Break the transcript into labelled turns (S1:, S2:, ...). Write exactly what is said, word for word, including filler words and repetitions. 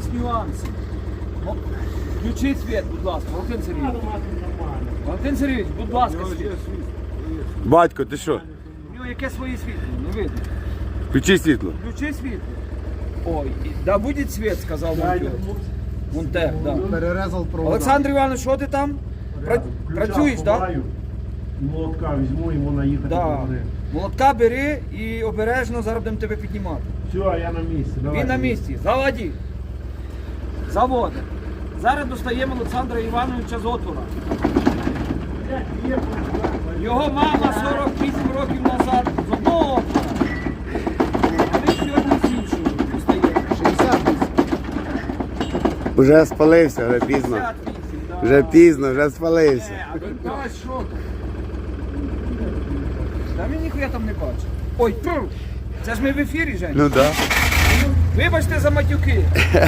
S1: нюанси. О, включіть світ, будь ласка, Валентин Сергійович. Валентин Сергійович, будь ласка, світ.
S2: Батько, ти що?
S1: У нього яке своє світло, не видно.
S2: Включи світло.
S1: Включи світло. Ой, і- да буде світ, сказав монтер. Монтер, да.
S3: Перерезав провода.
S1: Олександр Іванович, що ти там? Пра- Працюєш, так? Да?
S4: Молотка візьму, йому наїхати.
S1: Да. Молотка бери і обережно зараз будемо тебе піднімати.
S4: Все, я на місці. Давай.
S1: Він на місці. Заводі. Заводимо. Зараз достаємо Олександра Івановича з отвора. Його мама сорок вісім років назад з одного отвора. А він сьогодні з іншого достає.
S3: шістдесят вісім.
S2: Вже спалився, вже пізно.
S1: п'ятдесят вісім, да.
S2: Вже пізно, вже спалився.
S1: Е, А він ось що там? Та він ніхуя там не бачить. Ой, пф! Це ж ми в ефірі, Жень.
S2: Ну так. Да.
S1: Вибачте за матюки.